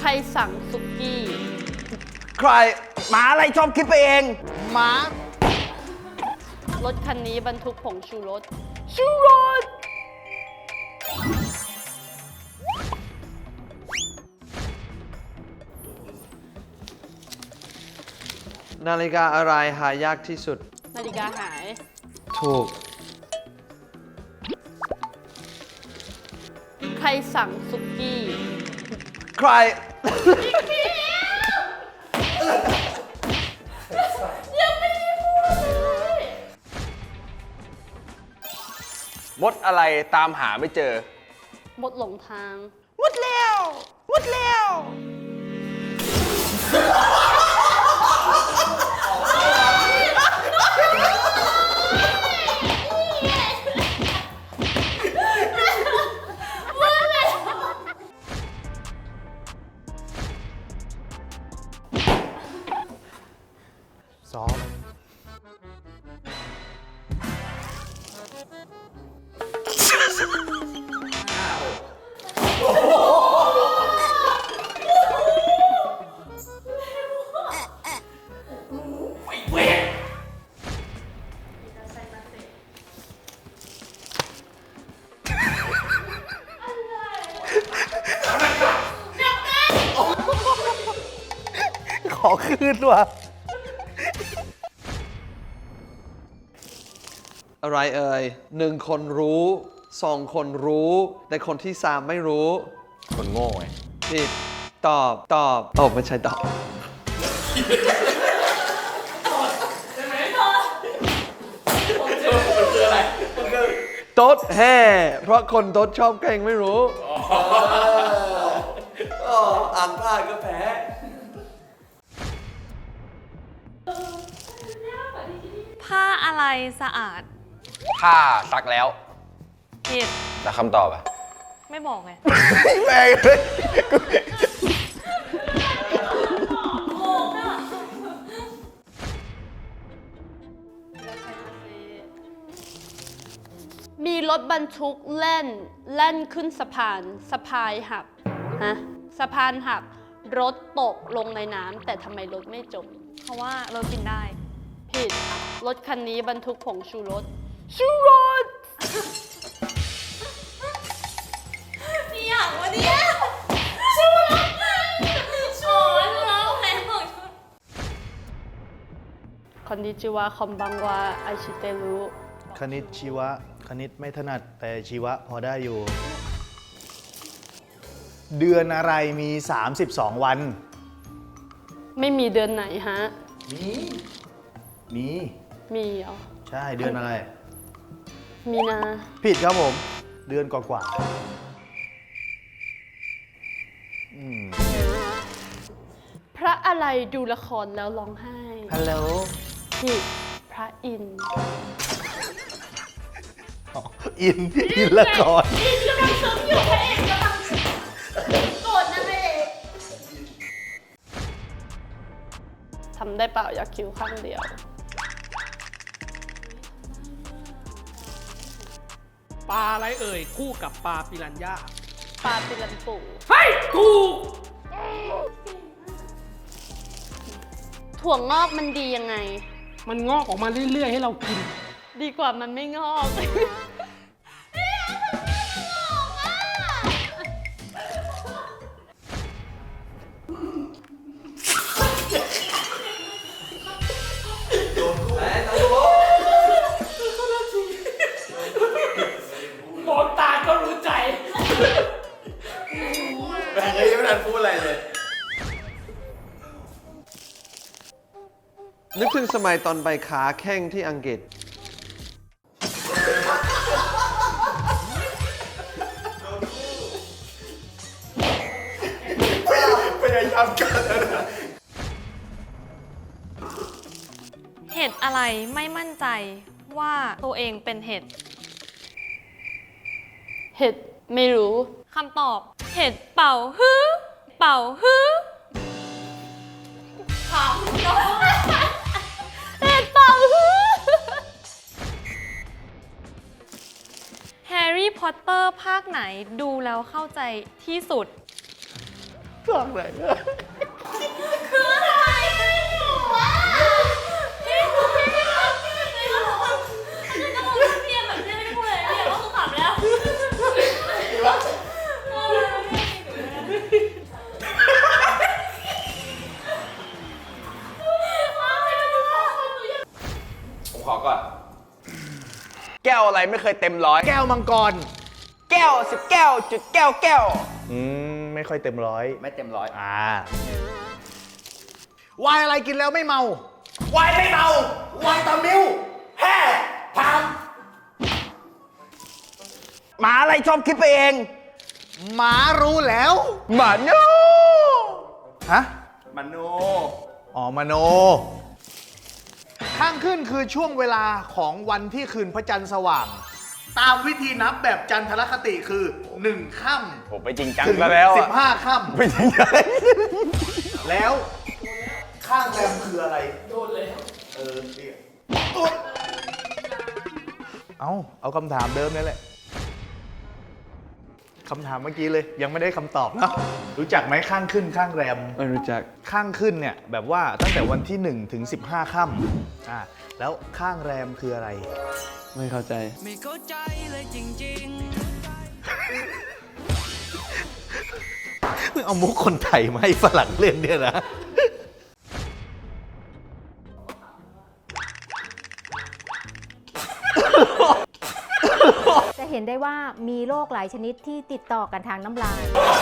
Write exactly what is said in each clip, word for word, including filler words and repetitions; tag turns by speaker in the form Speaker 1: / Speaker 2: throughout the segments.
Speaker 1: รสั่งสุกี้
Speaker 2: ใครหมาอะไรชอบคิดไปเองหมาร
Speaker 1: ถคันนี้บรรทุกผงชูรสชูรส
Speaker 3: นาฬิกาอะไรหายากที่สุด
Speaker 1: นาฬิกาหาย
Speaker 3: ถูก
Speaker 1: ใครสั่งสุกี้
Speaker 2: ใคร
Speaker 1: ยังไม่ได้พูดเลย
Speaker 2: มดอะไรตามหาไม่เจอ
Speaker 1: หมดหลงทาง
Speaker 2: หมดแล้วหมดแล้วซ้อมขอคืนว่ะ
Speaker 3: อะไรเอ่ยหนึ่งคนรู้สองคนรู้ แต่คนที่สามไม่รู้
Speaker 2: คนโง่ไง
Speaker 3: ผิดตอบตอบตอบไม่ใช่ตอบโต๊ดแห่เพราะคนโต๊ดชอบแกงไม่รู้อ่านพลาดก็แพ้
Speaker 4: ผ้าอะไรสะอาด
Speaker 2: ผ้าซักแล้ว
Speaker 4: ผิด
Speaker 2: แล้วคำตอบอะ
Speaker 4: ไม่บอกไง
Speaker 2: แม่งเลย
Speaker 1: มีรถบรรทุกแล่นแล่นขึ้นสะพานสะพายหักฮะสะพานหักรถตกลงในน้ำแต่ทำไมรถไม่จม
Speaker 4: เพราะว่ารถกินได้
Speaker 1: ผิดรถคันนี้บรรทุกผงชูรสชูรส
Speaker 4: นี่อย่างวะเนี่ยชูรสช้อนแล้วแม่บอก
Speaker 1: คอนนิจิวะคอมบังวาไอชิเตรุ
Speaker 5: คณิตชีวะคณิตไม่ถนัดแต่ชีวะพอได้อยู่ เดือนอะไรมีสามสิบสองวัน
Speaker 1: ไม่มีเดือนไหนฮะ
Speaker 5: มีมี
Speaker 1: มีเหรอ
Speaker 5: ใช่เดือนอะไร
Speaker 1: มีนา
Speaker 5: ผิดครับผมเดือนกว่า
Speaker 1: ๆพระอะไรดูละครแล้วร้องไห้
Speaker 5: ฮัลโหล
Speaker 1: ผิดพระอินทร์
Speaker 5: อินอินละคร
Speaker 1: อินกำลังซึ้งอยู่พระเอกกำลังโกรธนะพระเอกทำได้เปล่าอยากคิ้วข้างเดียว
Speaker 6: ปลาอะไรเอ่ยคู่กับปลาปิรันย่า
Speaker 1: ปลาปิรันปู
Speaker 6: เฮ้ยถูก
Speaker 1: ถั่วงอกมันดียังไง
Speaker 6: มันงอกออกมาเรื่อยๆให้เรากิน
Speaker 1: ดีกว่ามันไม่งอก
Speaker 6: มองตาก็รู้ใจ
Speaker 2: แม่งยังไม่ทันพูดอะไรเลย
Speaker 3: นึกถึงสมัยตอนไปขาแข้งที่อังกฤษ
Speaker 2: พยายามกันนะ
Speaker 4: เห็ดอะไรไม่มั่นใจว่าตัวเองเป็นเห็ด
Speaker 1: เห็ดไม่รู้
Speaker 4: คำตอบเห็ดเป่าฮื้อเป่าฮื้อถามน้อง
Speaker 1: เห็ดเป่าฮื้อ
Speaker 4: แฮร์รี่พอตเตอร์ภาคไหนดูแล้วเข้าใจที่สุด
Speaker 5: ช่องไหน
Speaker 4: คืออะไรหนูอ่ะพี่พี่พี่พี่พี่ก็บอกว่าคือจะบอกว่าพี่แบบพี่ไม่พูดเลยพี่ก็คือขำแล้ว
Speaker 2: ผมขอก่อน แก้วอะไรไม่เคยเต็มร้อย
Speaker 5: แก้วมังกร
Speaker 2: แก้วสิบแก้วจุดแก้วแก้ว
Speaker 5: อืม ไม่ค่อยเต็มร้อย
Speaker 2: ไม่เต็มร้อย
Speaker 5: อ่าวายอะไรกินแล้วไม่เมา
Speaker 2: วายไม่เมาวายตามิวแฮ่พามหมาอะไรชอบคิดไปเอง
Speaker 5: หมารู้แล้ว
Speaker 2: หมาโน
Speaker 5: ฮะ
Speaker 2: หมาโน
Speaker 5: อ๋อมโน ข้างขึ้นคือช่วงเวลาของวันที่คืนพระจันทร์สว่าง ตามวิธีนับแบบจันทรคติคือหนึ่งค่ำ
Speaker 2: ผมไปจริงจังซะแล้ว
Speaker 5: สิ
Speaker 2: อะ
Speaker 5: บห้าค่ำ
Speaker 2: ไปจริงจัง
Speaker 5: แล้วข้างแรมคืออะไร โดนแล้ว เออเอาเอาคำถามเดิมนี่แหละคำถามเมื่อกี้เลย ยังไม่ได้คำตอบเนอะรู้จักไหมข้างขึ้นข้างแรม
Speaker 3: ไม่รู้จัก
Speaker 5: ข้างขึ้นเนี่ยแบบว่าตั้งแต่วันที่หนึ่งถึงสิบห้าค่ำอ่าแล้วข้างแรมคืออะไร
Speaker 3: ไม่เข้าใจ
Speaker 7: ไม่เข้าใจเลยจริง
Speaker 5: มึงเอามุกคนไทยมาให้ฝรั่งเล่นเนี่ยนะ
Speaker 8: จะเห็นได้ว่ามีโรคหลายชนิดที่ติดต่อกันทางน้ำลาย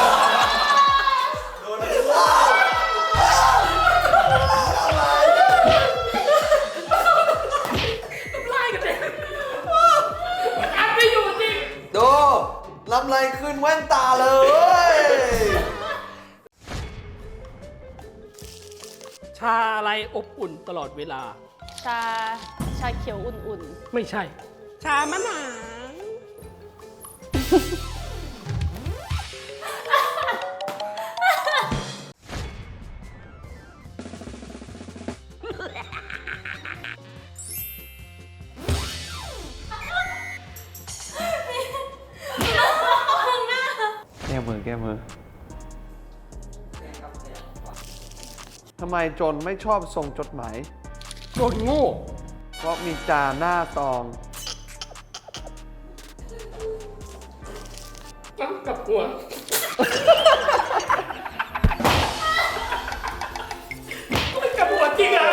Speaker 6: อัดไม่อยู่จริง
Speaker 3: ดูลำไรขึ้นแว่นตาเลย
Speaker 6: ชาอะไรอบอุ่นตลอดเวลา
Speaker 1: ชาชาเขียวอุ่น
Speaker 6: ไม่ใช่ ชามะนาว
Speaker 3: แก้มือแก้มือทำไมจนไม่ชอบส่งจดหมาย
Speaker 6: โดนโง่
Speaker 3: เพราะมีจาหน้าซอง
Speaker 6: น้ำกับหัวมันกับหัวจริงอ่ะ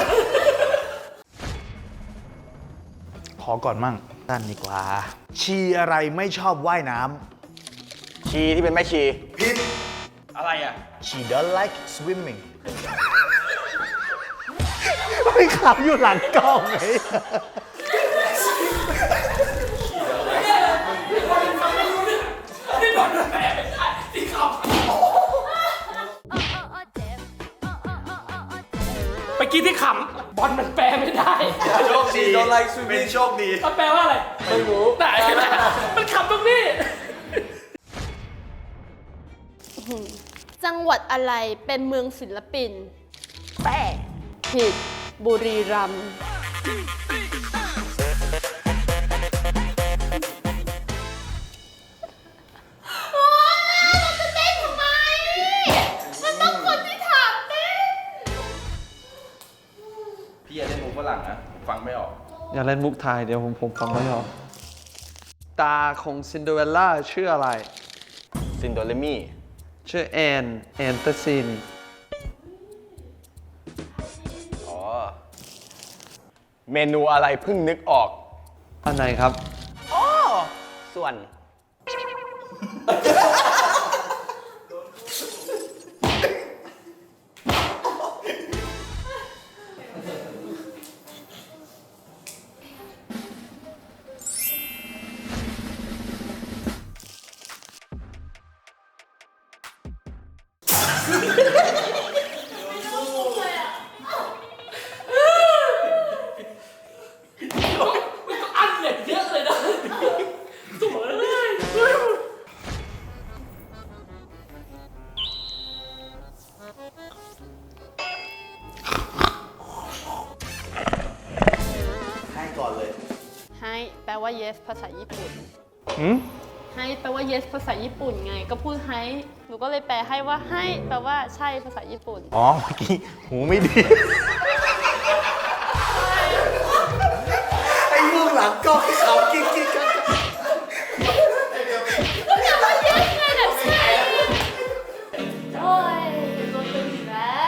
Speaker 5: ขอก่อนมั่งนั่นดีกว่า ชีอะไรไม่ชอบว่ายน้
Speaker 2: ชีที่เป็นแม่ชี
Speaker 5: ำผิด
Speaker 2: อะไรอ่ะ
Speaker 5: She don't like swimming ไม่ขับอยู่หลังกล้องไง
Speaker 6: ไปกินที่ขำบอลมันแปลไม่ได้
Speaker 5: โชคดี
Speaker 3: Don't like swimming
Speaker 5: เป็นโชคดี
Speaker 6: มันแปลว่าอะไร ไม่รู้แต่มันขำตรงนี้
Speaker 1: ๆ จังหวัดอะไรเป็นเมืองศิลปิน แปะผิด บุรีรัมย์
Speaker 2: พี่อย่าเล่นมุกฝรั่งนะ ฟังไม่ออก
Speaker 3: อย่าเล่นมุกไทยเดี๋ยวผมผมฟังไม่ออก ตาของซินเดอเรลล่าชื่ออะไร
Speaker 2: ซินโดเรมี่
Speaker 3: ชื่อแอนแอนเตอร์ซิน
Speaker 2: อ๋อ เมนูอะไรเพิ่งนึกออก
Speaker 3: อันไหนครับ
Speaker 2: อ๋อ ส่วน
Speaker 6: อันเนี่ยเยอะเลยนะสวยเลย
Speaker 5: ให้ก่อนเลย
Speaker 1: ให้แปลว่า yes ภาษาญี่ปุ่น
Speaker 5: หืม
Speaker 1: ให้แปลว่า yes ภาษาญี่ปุ่นไง ก็พูดให้ หนูก็เลยแปลให้ว่าให้แปลว่าใช่ภาษาญี่ปุ่น
Speaker 5: อ๋อเมื่อกี้หูไม่ดี ไอ้เบื้องหลังก็ให้เขากิ๊กกิ๊กกัน
Speaker 4: โอ้ยโดนตึงอีกแล้ว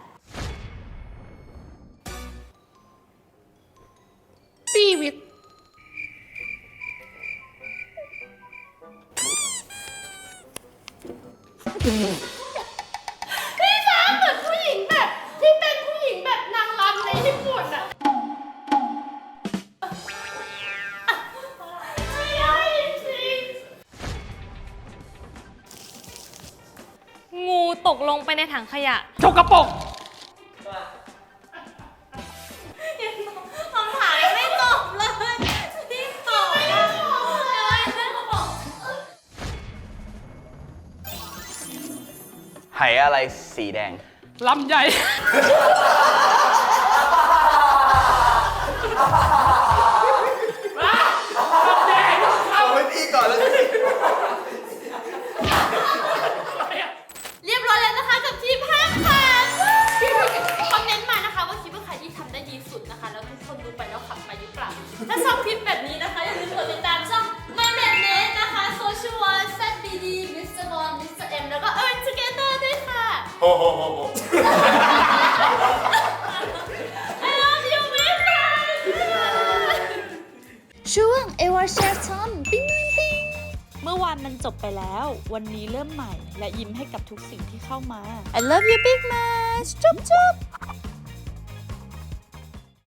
Speaker 1: ปีวิทพี่ฟ้าเหมือนผู้หญิงแบบ ที่เป็นผู้หญิงแบบนางรำในญี่ปุ่นอะไม่ได้จริง
Speaker 4: งูตกลงไปในถังขยะ
Speaker 6: จกกระปรก
Speaker 4: คำถามยังไม่ตอบเลยพี่ตอบไม่ได้เลยเพื่อนเขาบอก
Speaker 2: ไหอะไรสีแดง
Speaker 6: ลำใหญ่
Speaker 5: เอาไว้พี่ก่อนแล้ว
Speaker 4: เรียบร้อยแล้วนะคะกับทีมห้าค่ะคอมเมนต์มานะคะว่าคิดว่าใครที่ทำได้ดีสุดนะคะ แล้วทุกคนดูไปแล้วขับไปหรือเปล่า ถ้าชอบคลิปแบบนี้นะคะอย่าลืมกดติดตามช่อง My m a d n e t นะคะ Social One แซด บี ดี มิสเตอร์ Bond มิสเตอร์ M แล้วก็ Earn Together ด้วยค่ะ
Speaker 5: โอ้โห
Speaker 4: I love you บ๊ายบาย
Speaker 9: ช่วงเอวาแชร์ทอมปิ้งปิ้งเมื่อวานมันจบไปแล้ว วันนี้เริ่มใหม่ และยิ้มให้กับทุกสิ่งที่เข้ามา I love you big much จุ๊บจุ๊บ